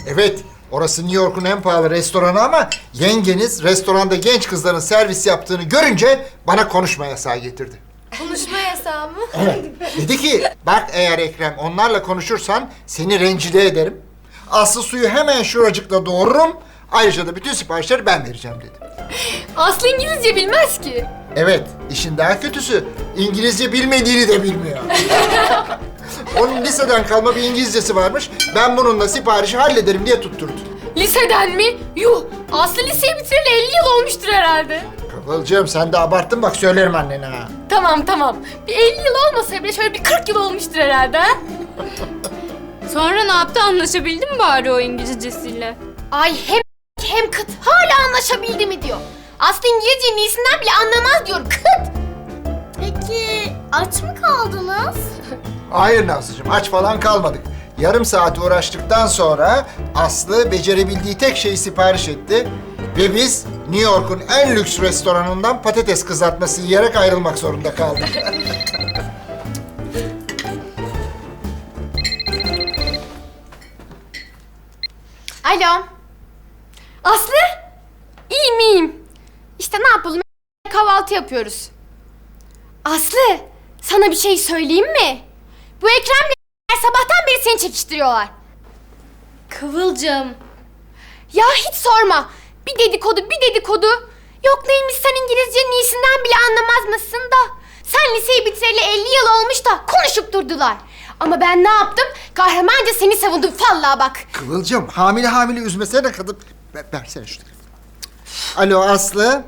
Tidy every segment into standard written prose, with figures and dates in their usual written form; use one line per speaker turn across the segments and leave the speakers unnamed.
Evet, orası New York'un en pahalı restoranı ama yengeniz restoranda genç kızların servis yaptığını görünce bana konuşma yasağı getirdi.
Konuşma yasağı mı?
Evet. Dedi ki, bak eğer Ekrem onlarla konuşursan seni rencide ederim. Aslı suyu hemen şuracıkla doğururum. Ayrıca da bütün siparişleri ben vereceğim dedi.
Aslı İngilizce bilmez ki.
Evet, işin daha kötüsü İngilizce bilmediğini de bilmiyor. Onun liseden kalma bir İngilizcesi varmış. Ben bununla siparişi hallederim diye tutturdu.
Liseden mi? Yuh! Aslı liseyi bitireli 50 yıl olmuştur herhalde.
Kıvılcım sen de abarttın bak söylerim annene ha.
Tamam. Bir 50 yıl olmasa bile şöyle bir 40 yıl olmuştur herhalde ha?
Sonra ne yaptı? Anlaşabildin mi bari o İngilizcesiyle?
Ay hem kıt. Hala anlaşabildi mi diyor. Aslı İngilizcenin iyisinden bile anlamaz diyor. Kıt!
Peki aç mı kaldınız?
Hayır Nazlıcığım aç falan kalmadık. Yarım saat uğraştıktan sonra Aslı becerebildiği tek şeyi sipariş etti. Ve biz New York'un en lüks restoranından patates kızartması yiyerek ayrılmak zorunda kaldık.
Alo. Aslı? İyiyim. İşte ne yapalım? Kahvaltı yapıyoruz. Aslı, sana bir şey söyleyeyim mi? Bu Ekrem'le sabahtan beri seni çekiştiriyorlar.
Kıvılcım.
Ya hiç sorma. Bir dedikodu. Yok neymiş sen İngilizcenin iyisinden bile anlamaz mısın da. Sen liseyi bitireli 50 yıl olmuş da konuşup durdular. Ama ben ne yaptım? Kahramanca seni savundum vallahi bak.
Kıvılcım hamile üzmesene kadın. Versene şu telefonu. Alo Aslı.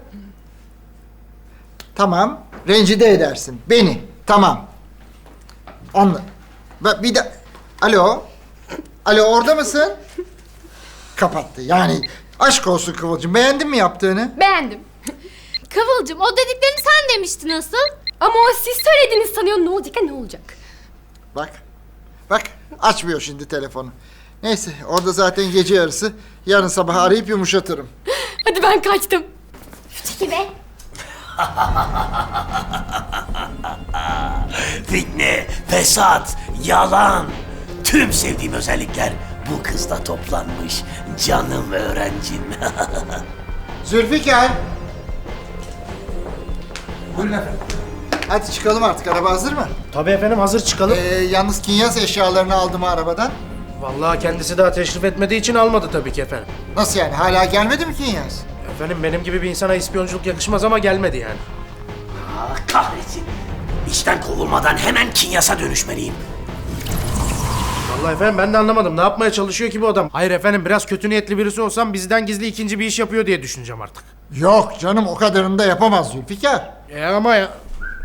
Tamam. Rencide edersin. Beni. Tamam. Anla. Bir de... Alo. Alo orada mısın? Kapattı. Yani aşk olsun Kıvılcım. Beğendin mi yaptığını?
Beğendim.
Kıvılcım o dediklerini sen demiştin asıl.
Ama o siz söylediğiniz sanıyor ne olacak ne olacak.
Bak açmıyor şimdi telefonu. Neyse orada zaten gece yarısı. Yarın sabah arayıp yumuşatırım.
Hadi ben kaçtım. Çekil be.
Fitne, fesat, yalan. Tüm sevdiğim özellikler bu kızda toplanmış. Canım öğrencim.
Zülfikar. Buyurun efendim. Hadi çıkalım artık. Araba hazır mı?
Tabii efendim hazır çıkalım.
Yalnız Kinyas eşyalarını aldım mı arabadan?
Vallahi kendisi daha teşrif etmediği için almadı tabii ki efendim.
Nasıl yani? Hala gelmedi mi Kinyas?
Efendim benim gibi bir insana ispiyonculuk yakışmaz ama gelmedi yani.
Kahretsin. İşten kovulmadan hemen Kinyas'a dönüşmeliyim.
Vallahi efendim ben de anlamadım. Ne yapmaya çalışıyor ki bu adam? Hayır efendim biraz kötü niyetli birisi olsam bizden gizli ikinci bir iş yapıyor diye düşüneceğim artık.
Yok canım o kadarını da yapamaz Zülfikar.
Ama ya...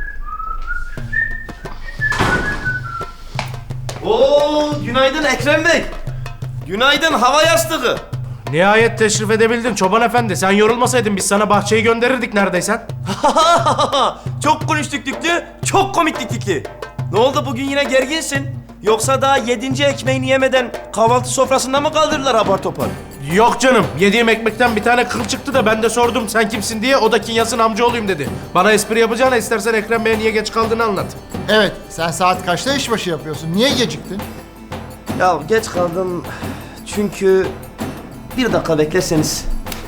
Oo, günaydın Ekrem Bey. Günaydın hava yastığı.
Nihayet teşrif edebildin çoban efendi. Sen yorulmasaydın biz sana bahçeyi gönderirdik neredeyse.
Çok konuştuk Tüklü, çok komiklik Tüklü. Ne oldu bugün yine gerginsin? Yoksa daha 7. ekmeğini yemeden kahvaltı sofrasında mı kaldırdılar apar topar?
Yok canım. Yediğim ekmekten bir tane kıl çıktı da ben de sordum sen kimsin diye. O da Kinyas'ın amcaoğluyum dedi. Bana espri yapacağına istersen Ekrem Bey'e niye geç kaldığını anlat.
Evet sen saat kaçta işbaşı yapıyorsun? Niye geciktin?
Ya geç kaldım çünkü 1 dakika bekleseniz.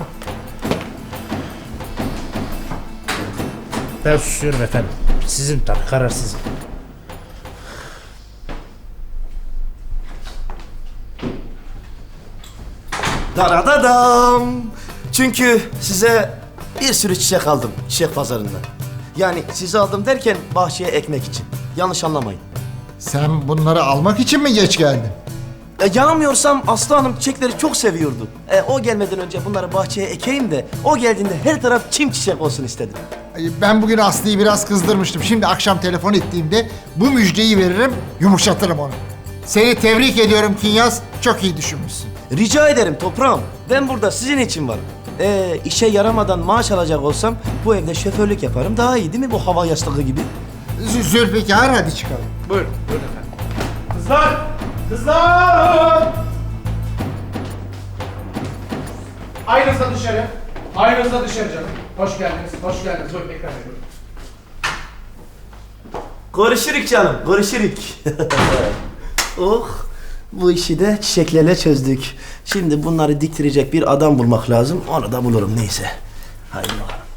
Ben susuyorum efendim. Sizin tabii karar sizin.
Daradadam. Çünkü size bir sürü çiçek aldım çiçek pazarından. Yani sizi aldım derken bahçeye ekmek için. Yanlış anlamayın.
Sen bunları almak için mi geç geldin?
Yanılmıyorsam Aslı Hanım çiçekleri çok seviyordu. O gelmeden önce bunları bahçeye ekeyim de o geldiğinde her taraf çim çiçek olsun istedim.
Ben bugün Aslı'yı biraz kızdırmıştım. Şimdi akşam telefon ettiğimde bu müjdeyi veririm, yumuşatırım onu. Seni tebrik ediyorum Kinyas. Çok iyi düşünmüşsün.
Rica ederim toprağım. Ben burada sizin için varım. İşe yaramadan maaş alacak olsam bu evde şoförlük yaparım. Daha iyi değil mi bu hava yastığı gibi?
Zülfikar hadi çıkalım.
Buyurun efendim. Kızlar! Kızlar! Aynınızda dışarı. Aynınızda dışarı canım. Hoş geldiniz. Buyurun Ekrem Bey buyurun.
Görüşürük canım, görüşürük. Oh,
Bu işi de çiçeklerle çözdük. Şimdi bunları diktirecek bir adam bulmak lazım. Onu da bulurum neyse. Haydi bakalım.